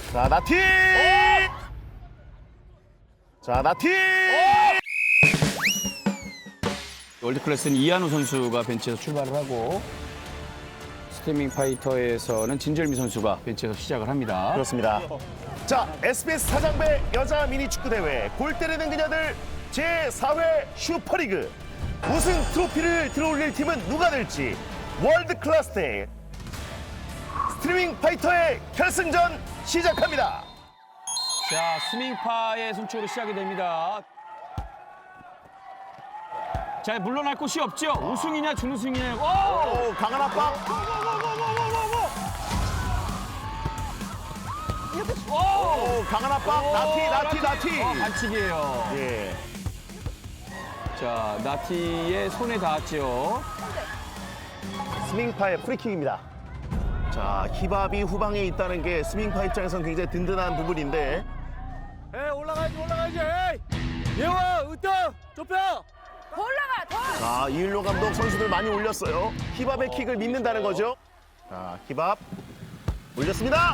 자, 나티! 자, 나티! 월드클래스는 이한우 선수가 벤치에서 출발을 하고 스트리밍 파이터에서는 진절미 선수가 벤치에서 시작을 합니다. 그렇습니다. 자, SBS 사장배 여자 미니축구대회 골 때리는 그녀들 제4회 슈퍼리그 우승 트로피를 들어올릴 팀은 누가 될지 월드클래스 대회 스트리밍 파이터의 결승전 시작합니다. 자, 스밍파의 선축으로 시작이 됩니다. 자, 물러날 곳이 없죠. 우승이냐 준우승이냐. 오! 오, 강한 압박. 오, 강한 압박. 나티. 반칙이에요. 예. 자, 나티의 손에 닿았죠. 스밍파의 프리킥입니다. 자, 히밥이 후방에 있다는 게 스밍파 입장에선 굉장히 든든한 부분인데 에이 올라가야지 에이 예와 으뜸 좁혀 더 올라가, 더! 자, 이일로 감독 선수들 많이 올렸어요. 히밥의 킥을 믿는다는 거죠. 자, 히밥 올렸습니다.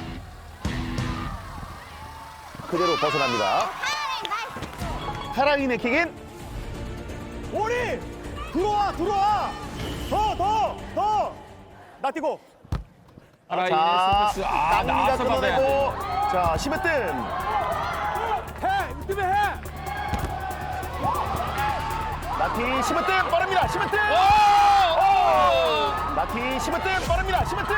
그대로 벗어납니다. 카라인의 킥인 오리 들어와 더 나 뛰고 아라인의 서비스. 깡미가 나와서 받아야 돼. 끊어내고 자, 시무뜸 해 으뜸에 해 나티 시무뜸 빠릅니다. 시무뜸 나티 시무뜸 빠릅니다. 시무뜸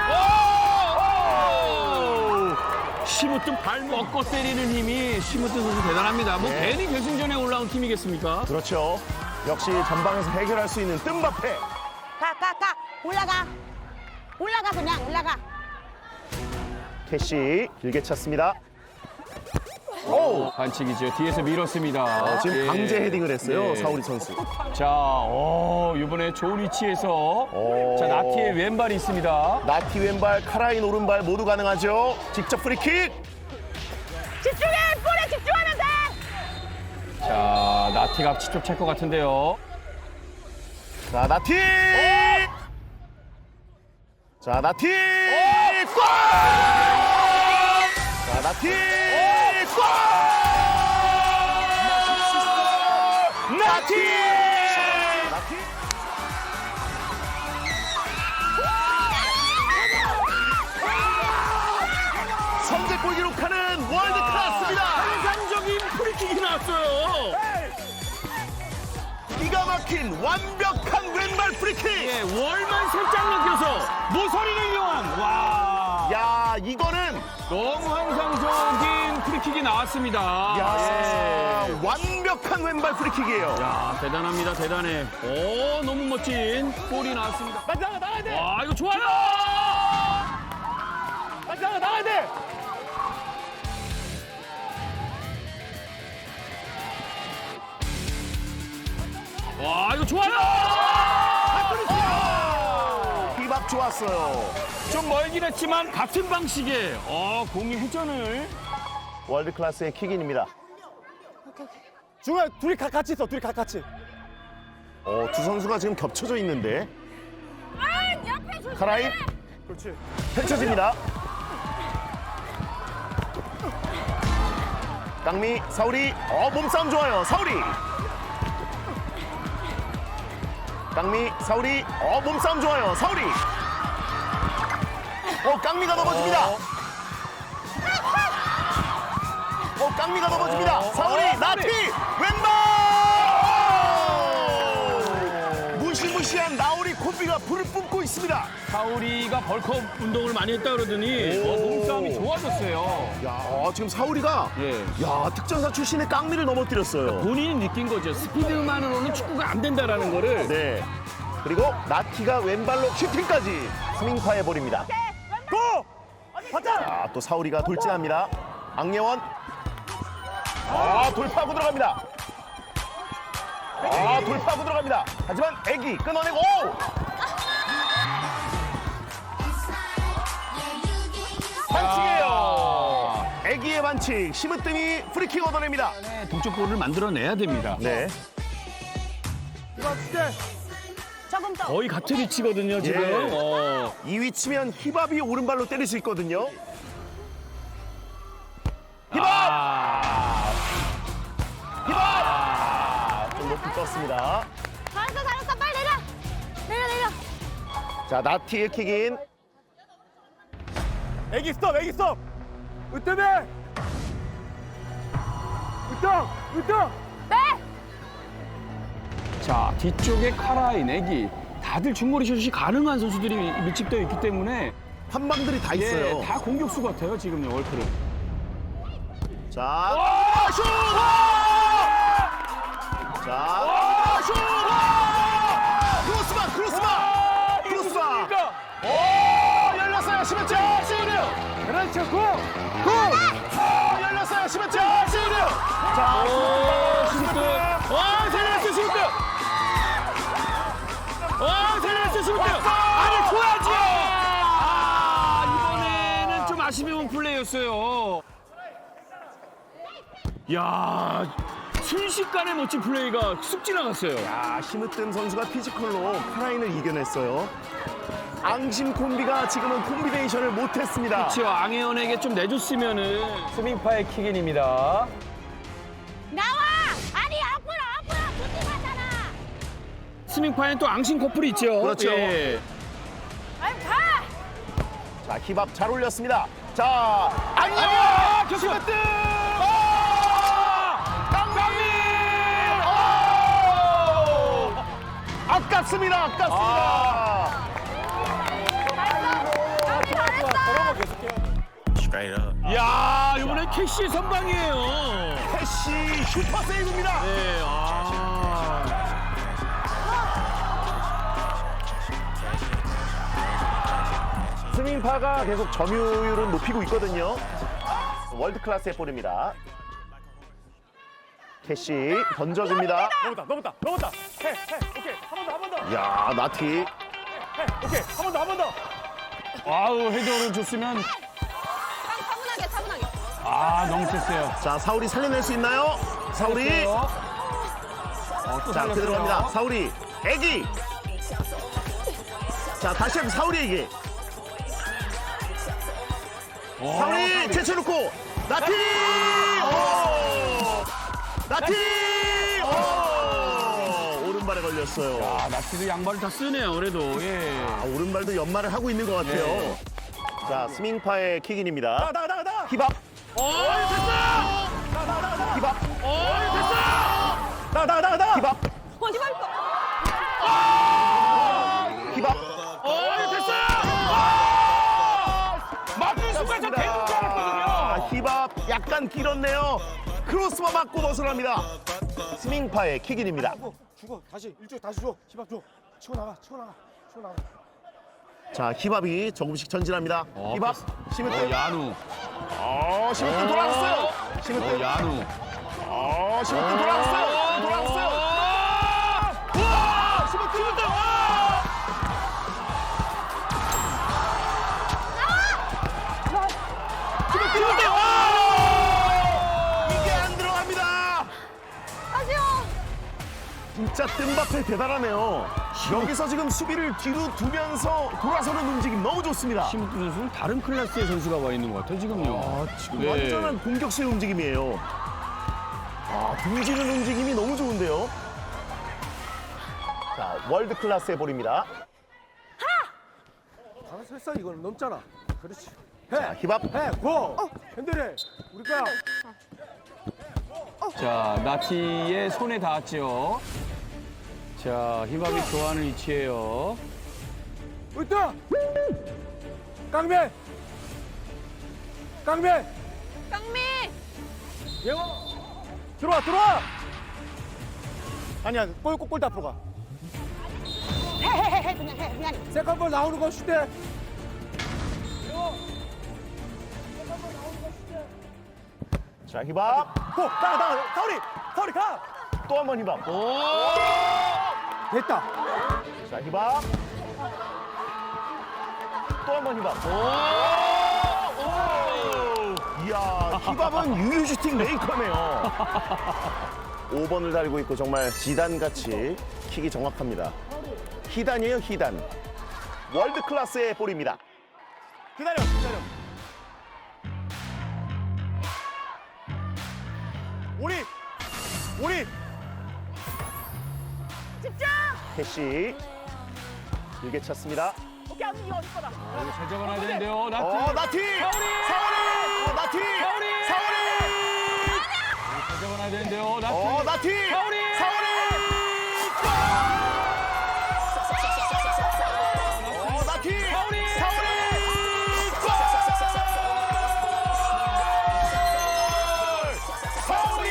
시무뜸 발 먹고 때리는 힘이 시무뜸 선수 대단합니다. 뭐 네. 괜히 결승전에 올라온 팀이겠습니까? 그렇죠. 역시 전방에서 해결할 수 있는 뜸바페. 가! 올라가, 그냥, 올라가. 캐시 길게 찼습니다. 오! 반칙이죠. 뒤에서 밀었습니다. 지금 예. 강제 헤딩을 했어요, 네. 사우리 선수. 자, 이번에 좋은 위치에서 오. 자, 나티의 왼발이 있습니다. 나티 왼발, 카라인 오른발 모두 가능하죠. 직접 프리킥. 집중해! 볼에 집중하면 돼! 자, 나티가 직접 찰 것 같은데요. 자, 나티! 자, 나티! 골! 자, 나티! 골! 나티! 나티! 선제골 기록하는 월드클래스입니다. 환상적인 프리킥이 나왔어요. 기가 막힌 완벽한 왼발 프리킥. 예, 월만 살짝 넘겨서 모서리를 이용한. 와, 야, 이거는 너무 환상적인 프리킥이 나왔습니다. 야, 예. 완벽한 왼발 프리킥이에요. 야, 대단합니다, 대단해. 오, 너무 멋진 골이 나왔습니다. 나가야 돼 와, 이거 좋아요. 나가야 돼 와, 이거 좋아요. 비박 좋았어요. 좀 멀긴 했지만 같은 방식의 공이 회전을. 월드 클래스의 킥인입니다. 중간 둘이 같이 있어 둘이 같이 두 선수가 지금 겹쳐져 있는데 아, 옆에 조심해! 카라인 그렇지 펼쳐집니다. 깡미, 사우리, 몸싸움 좋아요. 사우리. 깡미, 사우리, 몸싸움 좋아요. 사우리. 깡미가 넘어집니다. 깡미가 넘어집니다. 사우리, 나티, 왼발! 무시무시한 나우리 콤비가 불을 뿜고 있습니다. 사우리가 벌크업 운동을 많이 했다 그러더니 몸싸움이 좋아졌어요. 야, 지금 사우리가 예. 특전사 출신의 깡미를 넘어뜨렸어요. 본인이 느낀 거죠. 스피드만으로는 축구가 안 된다라는 거를. 네. 그리고 나티가 왼발로 슈팅까지 스밍파해 버립니다. 고! 받자 자, 또 사우리가 돌진합니다. 악예원. 돌파하고 들어갑니다. 돌파하고 들어갑니다. 하지만 애기 끊어내고 반칙이에요. 애기의 반칙. 심으뜸이 프리킥 얻어냅니다. 동쪽골을 만들어내야 됩니다. 네. 이거 줄게 조금 더. 거의 같은 위치거든요, 지금. 예. 이 위치면 히밥이 오른발로 때릴 수 있거든요. 떴습니다. 잘했어 빨리 내려. 자, 나티의 킥인. 애기 스톱 으뜸해 으뜸 네. 자, 뒤쪽에 카라인, 애기. 다들 중거리 슛이 가능한 선수들이 밀집되어 있기 때문에 한방들이 다 있어요. 예, 다 공격수 같아요, 지금요, 월크는. 자, 슛! 자, 슛! 크로스바! 열렸어요, 11점! 시우드! 그렇죠 열렸어요, 11점! 시우드! 자, 슈트! 세레스 슈트! 세레스 슈트! 아니, 줘야지! 이번에는 좀 아쉬운 플레이였어요. 야, 순식간에 멋진 플레이가 쑥 지나갔어요. 아, 힘으뜸 선수가 피지컬로 카라인을 이겨냈어요. 앙심 콤비가 지금은 콤비네이션을 못했습니다. 그렇죠. 앙혜연에게 좀 내줬으면은 스밍파의 킥인입니다. 나와. 아니 앞으로 부팅하잖아. 스밍파에는 또 앙신 커플이 있죠. 그렇죠. 예. 아유 가. 자, 힙합 잘 올렸습니다. 자, 안녕! 힘으뜸! 아깝습니다. 야, 이번엔 캐시 선방이에요. 캐시 슈퍼 세이브입니다. 네, 스밍파가 계속 점유율은 높이고 있거든요. 월드 클래스의 볼입니다. 캐시 던져줍니다. 넘었다 해 오케이 한 번 더 야, 나티. 해 오케이 한 번 더 아우, 헤더를 줬으면 차분하게. 너무 셌어요. 자, 사울이 살려낼 수 있나요? 사울이. 자, 그대로 갑니다. 사울이. 애기. 자, 다시 한번 사울이 애기. 사울이 제쳐놓고. 나티! 나티! 오른발에 걸렸어요. 아, 나티도 양발을 다 쓰네요, 그래도. 예. 아, 오른발도 연말을 하고 있는 것 같아요. 네. 자, 스밍파의 킥인입니다. 나가 힙합. 됐어 힙합. 나가 힙합. 어디 갈 거? 힙합. 맞는 순간 저 되는 줄 알았거든요. 아, 힙합 약간 길었네요. 크로스바 맞고 벗어납니다. 스밍파의 킥인입니다. 죽어 다시 일주일 다시 줘 힙합 줘 치고 나가 자, 힙합이 조금씩 전진합니다. 힙합. 심으뜸. 야누. 심으뜸 돌아왔어요. 심으뜸. 야누. 심으뜸 돌아왔어요. 우와! 심으뜸. 이게 안 들어갑니다. 아쉬워. 진짜 뜸바페 대단하네요. 여기서 지금 수비를 뒤로 두면서 돌아서는 움직임 너무 좋습니다. 심우준 선수는 다른 클래스의 선수가 와 있는 것 같아요, 지금요. 지금 네. 완전한 공격실 움직임이에요. 등지는 움직임이 너무 좋은데요. 자, 월드 클래스의 볼입니다. 알아서 했어 이거는 넘잖아 그렇지 자, 힙합. 해고 핸들해 우리 거야 자, 나티의 손에 닿았죠. 자, 힙합이 좋아하는 위치예요. 으뜸 깡맨 깡미. 예원 들어와 아니야 골 앞으로 가 해 그냥. 세컨볼 나오는 거 슛대 자, 힙합. 나가 사우리 가 또 한 번 힙합. 됐다 자, 힙합. 또 한 번 힙합. 이야, 힙합은 유유 슈팅 메이커네요. 5번을 달고 있고 정말 지단같이 킥이 정확합니다. 히단이에요, 히단. 월드 클래스의 볼입니다. 기다려 오리 캐시 길게 찼습니다. 오케이, 언니 이거 어디 거다. 이거 잘 잡아놔야 되는데요. 나티. 나티! 사오리! 나티! 사오리! 사오리! 잘 잡아놔야 되는데요. 나티. 나티! 사오리! 사오리! 나티! 사오리! 사오리! 사오리!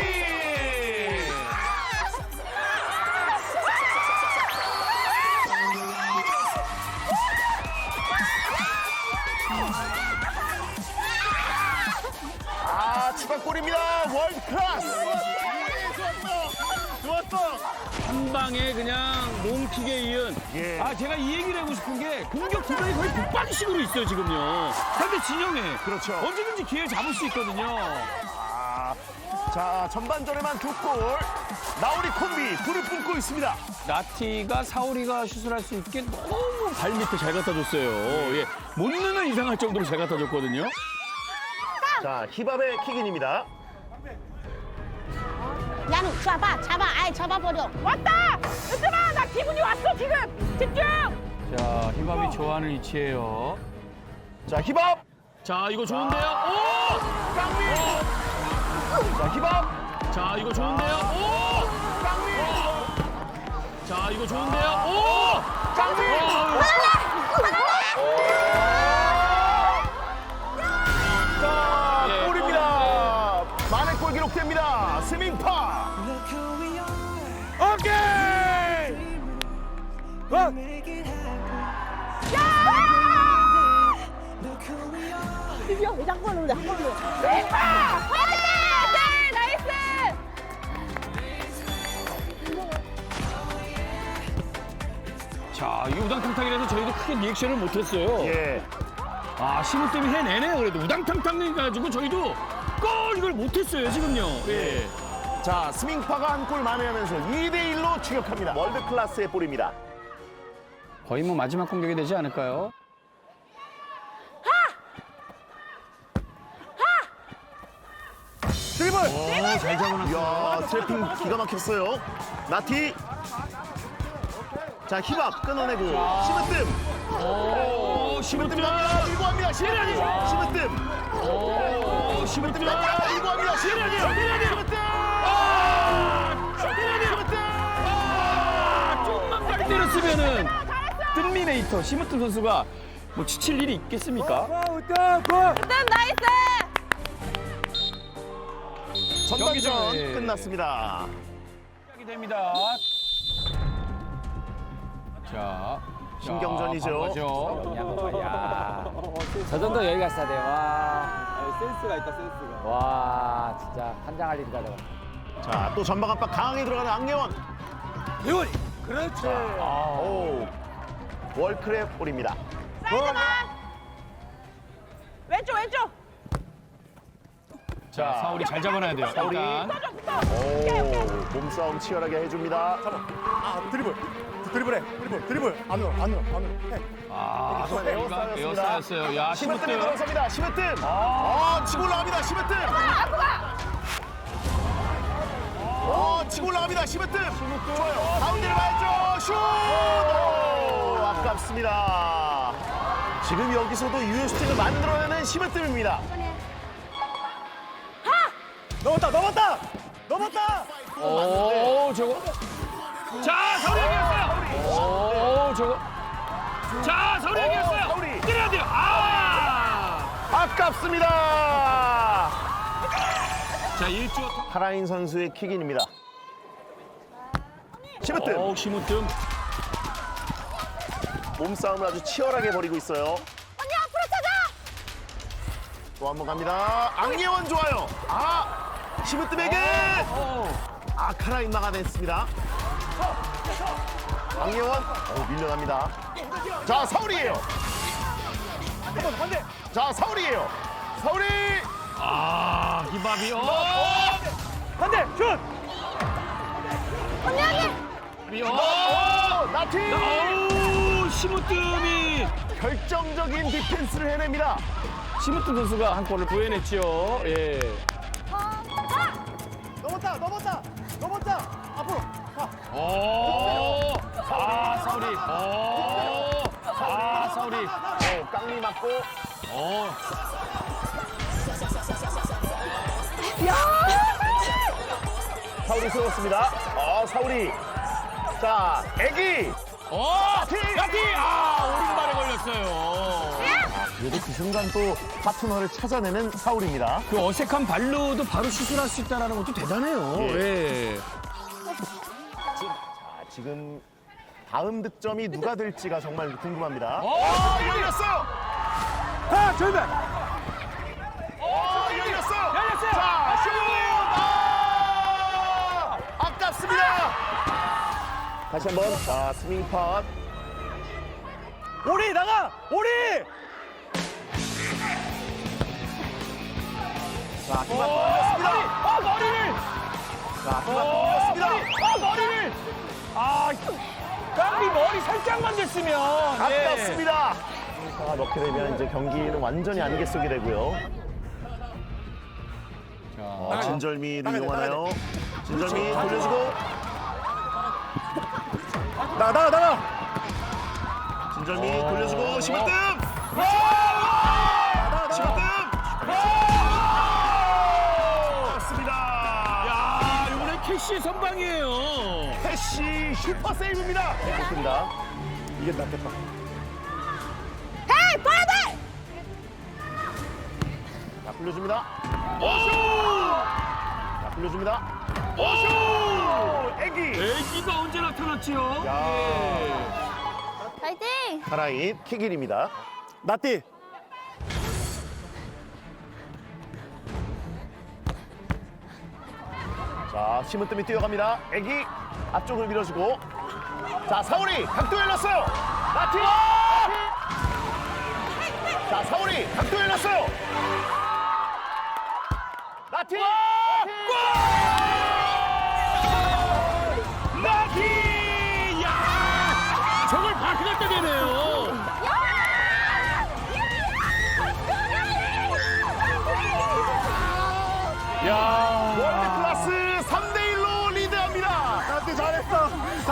추가골입니다. 월드 클래스. 좋았어. 한 방에 그냥 롱킥에 이은. 예. 제가 이 얘기를 하고 싶은 게 공격 기반이 거의 북방식으로 있어요, 지금요. 상대 진영에. 그렇죠. 언제든지 기회를 잡을 수 있거든요. 자, 전반전에만 2골. 나우리 콤비 불을 뿜고 있습니다. 나티가 사오리가 슛을 할 수 있게 너무 발 밑에 잘 갖다 줬어요. 예. 못 넣는 이상할 정도로 잘 갖다 줬거든요. 자, 히밥의 킥인입니다. 야누 잡아 아이 잡아버려. 왔다. 얘들아 나 기분이 왔어 지금. 집중. 자, 히밥이 좋아하는 위치예요. 자, 히밥. 자, 이거 좋은데요. 오! 깡미. 자, 히밥. 자, 이거 좋은데요. 오! 깡미. 자, 이거 좋은데요. 오! 깡미. 자, 예. 골입니다. 만회 골 기록됩니다. 스밍파. 오케이! 드디어 한 번으로 한 번으로. 화이팅! 나이스. 자, 이 우당탕탕이라서 저희도 크게 리액션을 못했어요. 예. 신우 때문에 해내네요. 그래도 우당탕탕 해가지고 저희도 이걸 못했어요, 지금요. 예. 자, 스밍파가 한 골 만회하면서 2대1로 추격합니다. 월드 클래스의 볼입니다. 거의 뭐 마지막 공격이 되지 않을까요? 드리블! 잘 잡아놨어요. 이야, 트래핑 기가 막혔어요. 나티. 자, 힙합 끊어내고 시무뜸. 오, 시무뜸 갑니다. 밀고 합니다. 시무뜸. 오, 시무뜸 갑니다. 밀고 합니다. 시무뜸. 조금만 빨리 때렸으면은 뜬미네이터 시무튼 선수가 뭐 지칠 일이 있겠습니까? 우땅 골! 일단 나이스. 전반전 경기죠. 끝났습니다. 시작이 됩니다. 자, 신경전이죠. 저 정도 여유가 있어야 돼요. 센스가 있다, 센스가. 와, 진짜 환장할 일이다, 저거. 자, 또 전방 압박 강하게 들어가는 악예원. 대원이! 그렇지! 오, 월크랩 볼입니다. 사이드만. 왼쪽. 자, 사울이 잘 잡아놔야 돼요. 사울이. 일단. 오, 몸싸움 치열하게 해줍니다. 드리블. 안으로. 해. 사울이가 에어싸였어요. 야, 시무뜸이 시무뜸. 돌아섭니다. 시무뜸. 치고 올라갑니다. 시무뜸. 치고 올라갑니다. 시무뜸. 좋아요. 가운데를 봐야죠. 슛! 오, 아깝습니다. 지금 여기서도 유효슈팅을 만들어내는 시무뜸입니다. 넘었다! 오, 저거. 자, 사울이 이겼어요. 오, 저거. 자, 사울이 이겼어요. 사울이. 때려야 돼요. 아깝습니다. 자, 일주. 하라인 선수의 킥인입니다. 시무뜸. 오, 시무뜸. 몸싸움을 아주 치열하게 벌이고 있어요. 언니 앞으로 찾아. 또 한 번 갑니다. 악예원 좋아요. 시무뜸에게 카라인 막아냈습니다. 악예원 밀려납니다. 자, 사울이에요. 자, 사울이에요. 사울이. 히밥이. 반대! 슛! 히밥이. 나티. 오, 시무뜸이. 결정적인 디펜스를 해냅니다. 시무뜸 선수가 한 골을 구해냈죠. 예. 넘었다. 앞으로. 가. 오! 아, 사우리. 오! 아, 사우리. 깡리 맞고. 사우리 세웠습니다. 사우리. 자, 애기. 야티! 오른발에 걸렸어요. 그래도 그 순간 또 파트너를 찾아내는 사우리입니다. 그 어색한 발로도 바로 시술할 수 있다는 것도 대단해요. 예. 지금 다음 득점이 누가 될지가 정말 궁금합니다. 열렸어요. 가, 절대. 열렸어요. 열렸어요. 자, 슛! 아깝습니다. 다시 한번. 자, 스윙 팟. 오리 나가. 오리. 자, 그만 올렸습니다. 머리를! 자, 그만 올렸습니다. 머리를! 깡비 머리 살짝만 됐으면. 아깝습니다. 넣게 되면 이제 경기는 완전히 안개 속이 되고요. 진절미를 이용하나요? 진절미 돌려주고. 나가. 진절미 돌려주고 심으뜸. 심으뜸. 맞습니다. 야, 이번엔 캐시 선방이에요. 패시 슈퍼 세이브입니다. 좋습니다. 이게 낫겠다. 헤이, 봐야 돼! 자, 불려줍니다. 자, 불려줍니다. 애기. 애기가 언제 나타났지요? 파이팅! 카라인 킥일입니다. 나띠. 자, 심으뜸이 뛰어갑니다. 애기 앞쪽을 밀어주고. 자, 사우리 각도 열렸어요. 나티. 자, 사우리 각도 열렸어요. 나티. 나티! 야! 저걸 바퀴가 때리네요. 야! 월드 클래스 3대1로 리드합니다. 나띠 잘했어.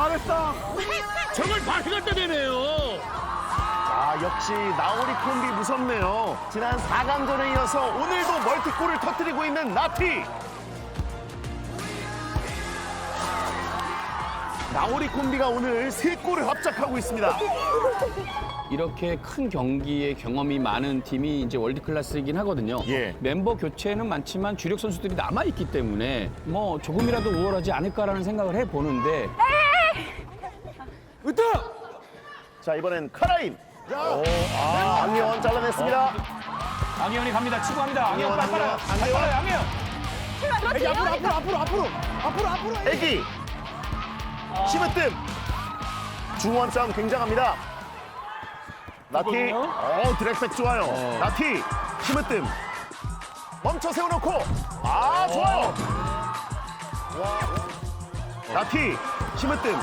저걸 바퀴가 때리네요. 자, 역시 나오리 콤비 무섭네요. 지난 4강전에 이어서 오늘도 멀티골을 터뜨리고 있는 나티. 나오리 콤비가 오늘 3골을 합작하고 있습니다. 이렇게 큰 경기에 경험이 많은 팀이 이제 월드 클래스이긴 하거든요. 예. 멤버 교체는 많지만 주력 선수들이 남아 있기 때문에 뭐 조금이라도 우월하지 않을까라는 생각을 해 보는데 으뜸. 자, 이번엔 카라인. 안예원 잘라냈습니다. ang혜원이 갑니다. 치고 갑니다. ang혜원 빨라요. ang혜원. ang혜원. 애기 앞으로. 애기. 심으뜸. 중원 싸움 굉장합니다. 나티. 드랙백 좋아요. 나티. 심으뜸. 멈춰 세워놓고. 좋아요. 나티. 심으뜸.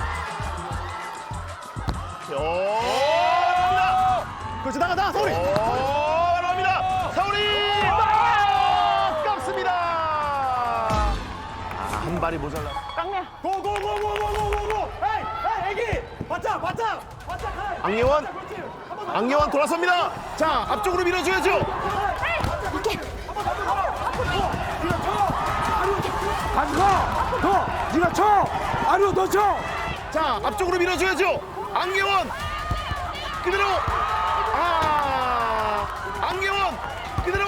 나갑니다. 그렇지 나가 사우리. 나갑니다. 사우리. 아깝습니다. 한 발이 모자라. 깡미야. 고고고고고고고고. 에이 애기. 바짝. ang혜원. ang혜원 돌아섭니다. 자, 앞쪽으로 밀어줘야죠. 가지고 더. 네가 쳐. 아니요 너 쳐. 자, 앞쪽으로 밀어줘야죠. ang혜원. 그대로. ang혜원. 그대로.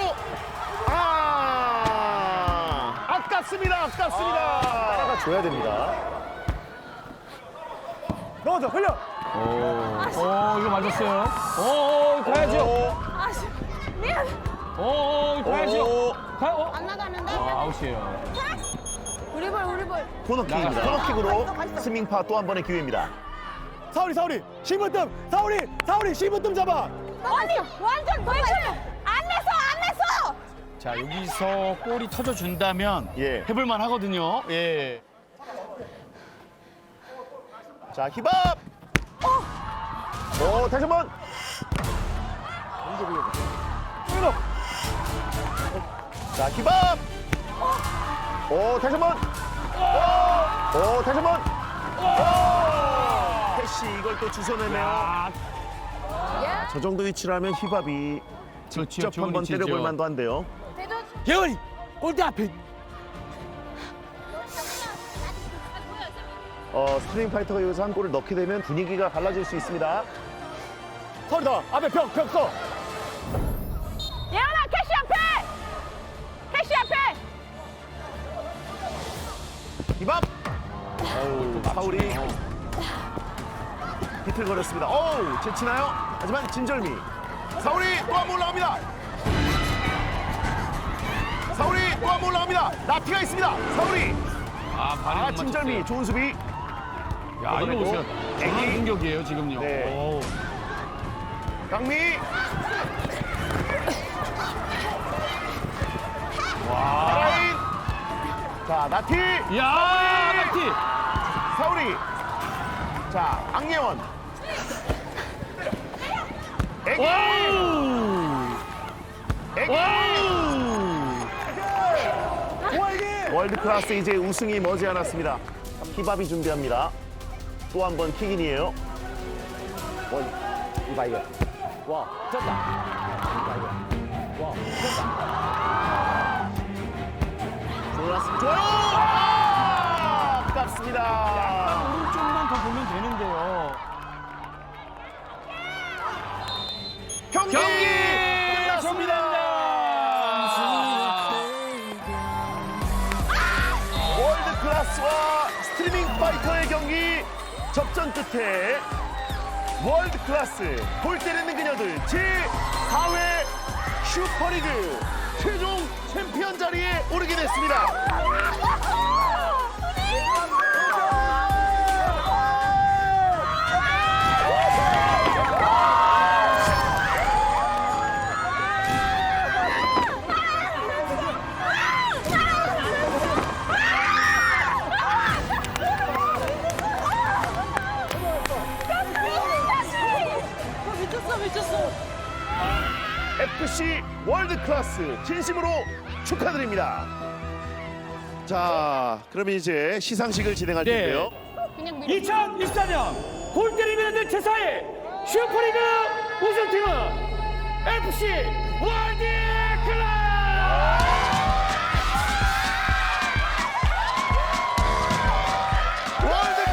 아깝습니다. 따라가 줘야 됩니다. 넣어줘 흘려. 이거 맞았어요. 가야죠. 미안. 가야죠. 안 나가는데? 아웃이에요. 우리 볼. 코너킥입니다. 코너킥으로 스밍파 또 한 번의 기회입니다. 사우리 심으뜸. 사우리 심으뜸 잡아. 아니, 완전 돌출! 안 냈어! 자, 여기서 골이 터져준다면 예. 해볼만 하거든요. 예. 자, 힙업. 다시 한 번. 자, 힙업. 다시 한 번. 다시 한 번. 패시 이걸 또 주워내네요. 저 정도 위치라면 휘밥이 직접 좋은 한번 위치죠. 때려볼 만도 한데요. 예원이 골대 앞에 스트링 파이터가 여기서 한 골을 넣게 되면 분위기가 달라질 수 있습니다. 서울이다 앞에 벽 서. 예원아 캐시 앞에. 캐시 앞에. 휘밥. 사울이 비틀거렸습니다. 제치나요? 하지만 진절미. 사울이 또 한 번 올라갑니다. 사울이 또 한 번 올라갑니다. 나티가 있습니다. 사울이. 발이 못 진절미 맞췄어요. 좋은 수비. 야, 이거 보세요. 전원 애기. 공격이에요, 지금요. 네. 오. 강미. 사라인. 자, 나티. 야, 나티. 사울이. 자, 악예원. 애기. 애기. 월드 클래스 이제 우승이 머지않았습니다. 힙합이 준비합니다. 또 한 번 킥인이에요. 이바이어. 와, 쩐다. 이바이어. 와, 쩐다. 좋아요. 아깝습니다. 오른쪽만 더 보면 되는데요. 경기 끝났습니다. 월드 클래스와 스트리밍 파이터의 경기 접전 끝에 월드 클래스 골 때리는 그녀들 제4회 슈퍼리그 최종 챔피언 자리에 오르게 됐습니다. FC 월드 클래스 진심으로 축하드립니다. 자, 그럼 이제 시상식을 진행할 네. 텐데요. 그냥 밀어. 2024년 골 때리면 안 제4회 슈퍼리그 우승팀은 FC 월드 클래스. 월드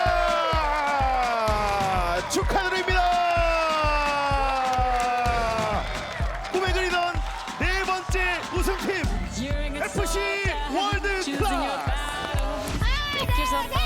클래스 축하드립니다. 꿈에 그리던 네 번째 우승팀 FC 월드 클래스. Pick yourself up.